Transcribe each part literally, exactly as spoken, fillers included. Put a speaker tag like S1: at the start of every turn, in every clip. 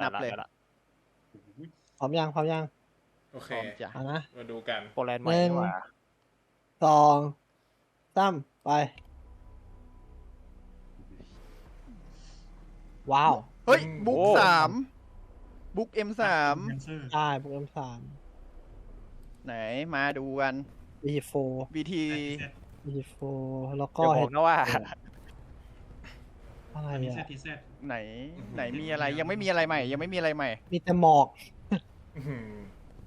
S1: บเลย
S2: พร้อมยังพร้อมยัง
S3: โอเค
S2: เอานะ
S3: มาดูกัน
S1: โปแลนด์ใหม่
S2: หนึ่ง
S1: ดีกว่า
S2: สองสามไปว้าว
S4: เฮ้ยบุ๊กสามบุ๊กเอ็มสาม
S2: ใช่โปรแกรมสาม
S4: ไหนมาดูกัน
S2: บีโฟ
S4: บีที
S2: บีโฟแล้วก็
S1: อย่าบอกนะว่า
S2: อะไร
S5: ที
S2: อ่ะ
S5: เซตทีเซต
S4: ไหนไหนมีอะไรยังไม่มีอะไรใหม่ ยังไม่มีอะไรใหม่
S2: มีแต่หมอก
S3: อื้อหือ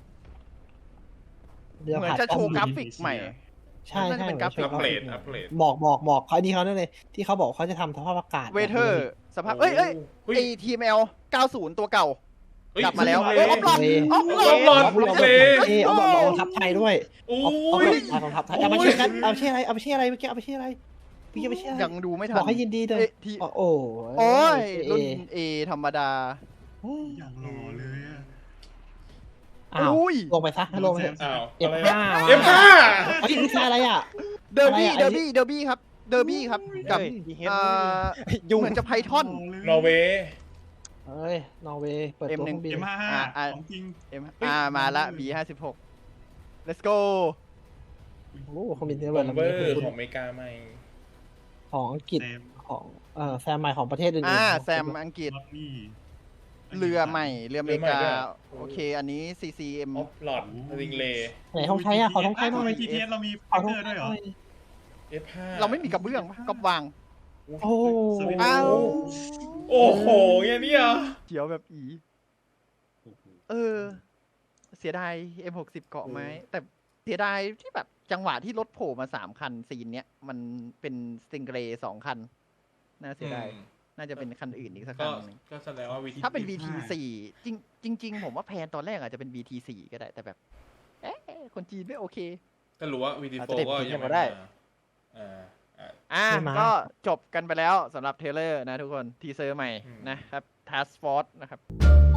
S2: เดี๋ยว
S4: เหมือน
S2: ขาด
S4: จะโชว์
S2: ก
S4: ก
S2: ล้
S4: รา
S2: อง
S4: ฟิกใหม่
S2: ใช่
S4: น่า
S2: ใช่
S4: จะเป็นกราฟิก
S3: อัปเกรดอัปเกรด
S2: หมอกหมอกหมอกเขาดีเขานั่นเลย ที่เขาบอกเขาจะทำสภาพอากาศ
S4: เวเทอร์สภาพเอ้ยเอ้ย
S3: เฮ้ย
S4: ไอทีเอ็มแอลเก้าสิบตัวเก่า
S3: เฮ้ย
S4: กลับมาแล้ว
S3: เฮ้ย
S4: เอ้ยออฟหลอด
S2: เ
S4: ออฟหล
S3: อ
S4: อ
S3: อ
S4: ด
S3: ฟหลอด
S2: เอาเอา
S3: เลย
S2: เอาเอาเอาทับไทยด้วย
S3: โอ้
S2: เอาเอา
S3: ย
S2: เอาของทับไทยเอามาเชื่อกันเอาชื่ออะไรเอาชื่ออะไรเมื่อกี้เอาชื่ออะไรพี่เอาชื่ออะไร
S4: ยังดูไม่ทัน
S2: บอกให้ยินดีเลย
S4: เอ้ยที
S2: โอ้โห
S4: โอ้ย
S2: เอ
S4: รุ่นเอธรรมดา
S5: อย่างหล่อเลยอะ
S2: อ้าว
S4: อุ้ย
S2: ลงไปซะลงไป
S3: อ้าว
S2: เอฟ
S3: อะไร
S2: ห้า
S3: เอฟห้า
S2: เฮ้ยนี่คืออะไรอ่ะ
S4: เดอร์บี้
S2: อะไรอะ
S4: เดอร์บี้เดอร์บี้ครับเดอร์บี้ครับกับ
S1: เฮ้ยดีเฮด
S4: อ่า
S1: ยุ่ง
S4: เหมือนจะไพทอน
S3: นอร์เวย์
S2: เอ้ยนอร์เวย์เปิดตัว
S4: เอ็มหนึ่
S2: เค
S4: ง
S2: รื่องบิน
S5: เอ็มห้าห้า
S4: อ่ะอ่ะ
S5: ของจริง
S4: เอ็มอ่ามาละ บี ห้าสิบหก let's go
S2: โอ้โหเครื่องบินเท
S3: บ
S2: เบิ
S3: อ
S2: ร์
S3: ม
S2: ด
S3: เบอร์
S2: คุณ
S3: ของอเมริกาใหม่
S2: ของอังกฤษ
S5: เซม
S2: ของเอ่อแซมใหม่ของประเทศอื่นๆ
S4: อ่า
S2: ของ
S4: แซมอังกฤษ
S5: รถนี่
S4: เรือใหม่ เรืออเมริกา
S3: เรือใหม่ด้วย
S4: โอเค อันนี้ ซี ซี เอ็ม
S3: ออฟหลอดริงเลย์
S2: ไหนของไทยอ่ะขอของไทยหน่
S5: ทำไม
S2: อย
S5: ทีเอสเรามี
S2: ขอ
S5: ไฟ
S2: ของ
S5: เตอร์
S2: ไท
S5: ด้วย
S2: ย
S5: เหร
S2: ห
S5: อ
S2: น่อย
S3: เอฟห้า
S4: เราไม่มีกระเบื้องกับวาง
S2: โอ้โห
S4: อ้าว
S3: โอ้โหอย่างนี้เหรอ
S4: เขียวแบบอี เออ เสียดาย เอ็ม หกสิบ เกาะไหม แต่เสียดายที่แบบจังหวะที่รถโผล่มาสามคันซีนเนี้ย มันเป็นสติงเกรสองคัน น่าเสียดาย
S3: อืม
S4: น่าจะเป็นคันอื่นอีกสัก
S3: ก็
S4: คันหนึง
S3: ก็แสดงว่าวิธี
S4: ถ้าเป็น วี ที สี่ จริงจริง ๆ ผมว่าแพลนตอนแรกอาจจะเป็น วี ที สี่ ก็ได้ แต่แบบ เอ๊ะ คนจีนไม่โอเค
S3: ก็รู้ว่าวีดี
S1: อาจ
S3: โฟ
S1: จะเด็ด
S3: ก็
S1: ทิ้ง
S3: ยัง
S1: กัน
S3: ไม่
S1: มาได้
S3: มาอ่าอ่า
S4: อ่ะ
S2: ใช่ไหม
S4: ก็จบกันไปแล้วสำหรับเทรลเลอร์นะทุกคน ทีเซอร์ใหม่
S3: อืม
S4: นะครับ Task Force นะครับ